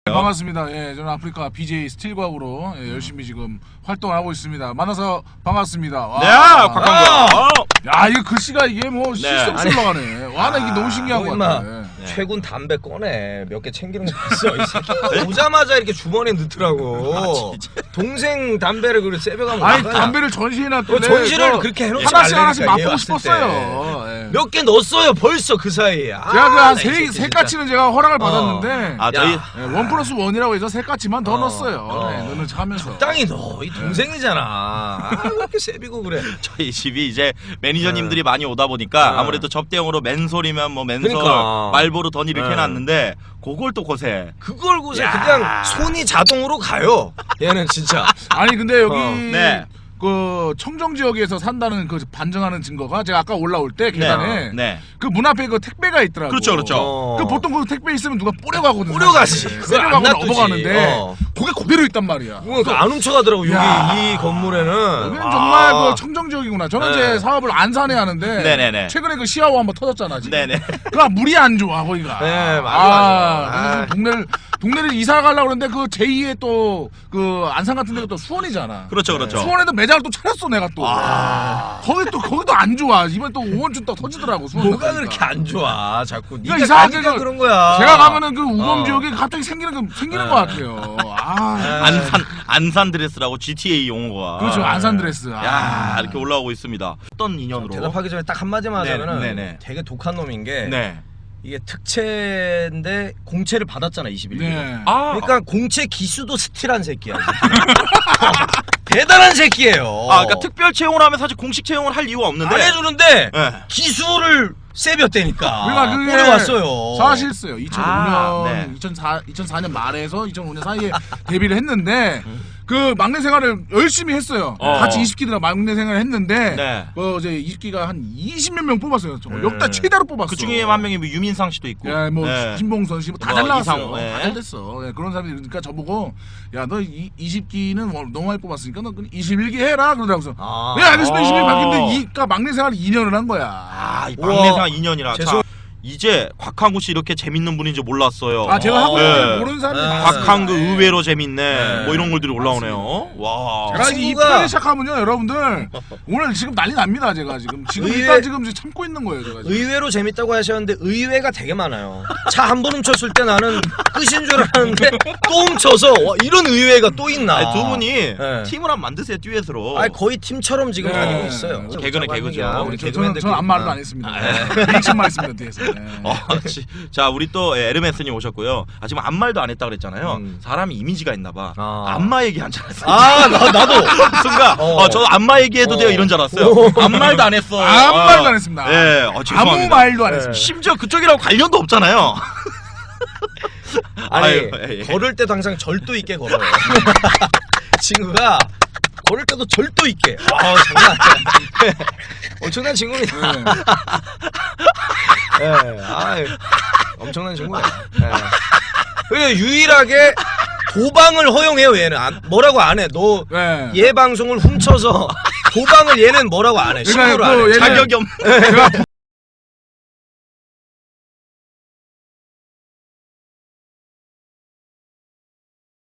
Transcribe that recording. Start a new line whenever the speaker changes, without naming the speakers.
네, 반갑습니다. 예, 저는 아프리카 BJ 스틸과으로 열심히 지금 활동을 하고 있습니다. 만나서 반갑습니다. 와.
네, 박광구야.
야, 이거 글씨가 이게 뭐
네.
실수 올라가네. 와, 나 이게 너무 신기한 것 같아.
네. 최군 담배 꺼내 몇 개 챙기는 거 봤어. 이 새끼 오자마자 이렇게 주머니에 넣더라고. 동생 담배를 그렇게 새벽하면
아니 담배를 전시해 놨던데
전시를 그렇게 해놓지
하나씩 하나씩
말라니까,
맛보고
얘
싶었어요. 예.
몇 개 넣었어요 벌써 그 사이에.
제가 그한 세 가치는 제가 허락을 받았는데
아, 저희
원 플러스 원이라고 해서 세 가치만 더 넣었어요. 네, 너는 하면서
적당히 넣어. 이 동생이잖아. 아, 왜 이렇게 세비고 그래.
저희 집이 이제 매니저님들이 많이 오다 보니까 아무래도 접대용으로 맨솔이면 뭐 맨솔,
그러니까.
말보로 던 이렇게 해놨는데 그걸 또 고세.
그걸 고세 그냥 손이 자동으로 가요. 얘는 진짜.
아니 근데 여기
네.
그 청정 지역에서 산다는 그 반증하는 증거가 제가 아까 올라올 때 계단에
네.
그 문 앞에 그 택배가 있더라고.
그렇죠, 그렇죠.
그 보통 그 택배 있으면 누가 뿌려가거든.
뿌려가지.
뿌려가고 넘어가는데
어.
그게 그대로 있단 말이야.
안 훔쳐가더라고. 여기
야.
이 건물에는.
여기는 정말 그 청정 지역이구나. 저는
네.
제 사업을 안산에 하는데
네네네.
최근에 그 시아호 한번 터졌잖아. 지금.
네네.
그니까 물이 안 좋아 거기가.
네, 맞아.
그래서 동네를 이사 가려고 그러는데 그 제2의 또 그 안산 같은 데가 또 수원이잖아.
그렇죠, 그렇죠.
수원에도 매장을 또 차렸어 내가 또. 거기도 안 좋아. 이번 또 오원춘 또 터지더라고. 수원
뭐가
가니까.
그렇게 안 좋아? 자꾸
그러니까
네가
이상하게
가니까 그런 거야.
제가 가면은 그 우범 지역에 갑자기 생기는 것 같아요.
안산 드레스라고 GTA 용어가.
그렇죠. 안산 드레스.
야, 이렇게 올라오고 있습니다. 어떤 인연으로?
대답하기 전에 딱 한마디만
네,
하자면은
네네.
되게 독한 놈인 게
네.
이게 특채인데 공채를 받았잖아 21기.
네.
그러니까 공채 기수도 스틸한 새끼야. 대단한 새끼예요.
그러니까 특별 채용을 하면 사실 공식 채용을 할 이유가 없는데.
안 해주는데
네.
기수를 세볐다니까.
그러니까 그게
뿌려왔어요.
사실있어요. 2005년,
네.
2004년 말에서 2005년 사이에 데뷔를 했는데 그 막내 생활을 열심히 했어요. 같이 20기들하고 막내 생활을 했는데
네.
그 이제 20기가 한 20몇 명 뽑았어요. 역대 최다로 뽑았어.
그 중에 한 명이 뭐 유민상 씨도 있고.
야, 뭐
네.
김봉선 씨 뭐 다
뭐
잘 나왔어요.
이상호, 네.
다 잘 됐어. 예, 그런 사람들이 그러니까 저보고 야 너 20기는 너무 많이 뽑았으니까 너 21기 해라 그러더라고요. 네 알겠습니다. 21기 바뀌는데 그러니까 막내 생활 2년을 한 거야.
이 막내 생활 2년이라.
죄송-
이제 곽한구 씨 이렇게 재밌는 분인지 몰랐어요.
제가 하고
네.
모르는 사람이 많아요.
곽한구 의외로 재밌네. 뭐 이런 글들이 올라오네요. 와.
제가 이
친구가-
편을 시작하면요, 여러분들 오늘 지금 난리 납니다. 제가 지금 일단 지금 참고 있는 거예요, 제가. 지금.
의외로 재밌다고 하셨는데 의외가 되게 많아요. 차 한 번 훔쳤을 때 나는 끝인 줄 알았는데 또 훔쳐서 와, 이런 의외가 또 있나.
아니, 두 분이
네.
팀을 한번 만드세요, 듀엣으로.
아니, 거의 팀처럼 지금
네.
다니고 있어요.
개그는 개그죠.
우리
저는
개그맨들
아무 말도 안 했습니다. 리액션만 했습니다, 뒤에서.
자, 우리 또 에르메스님 오셨고요. 지금 아무 말도 안 했다 그랬잖아요. 사람이 이미지가 있나봐. 안마 얘기 한 줄 알았어요.
나도.
순간, 저 안마 얘기해도 돼요 이런 줄 알았어요. 아무 말도 안 했어.
아무 말도 안 했습니다.
예, 죄송합니다.
아무 말도 안 했습니다.
심지어 그쪽이랑 관련도 없잖아요.
아니,
아유, 예.
걸을 때도 항상 절도 있게 걸어요. 친구가 걸을 때도 절도 있게. 장난 아니야. 엄청난 친구입니다. 엄청난 친구예요. 그리고 유일하게 도방을 허용해요 얘는. 뭐라고 안 해. 너 얘 방송을 훔쳐서 도방을 얘는 뭐라고 안 해. 신고를 안 해.
자격이 없는.
제가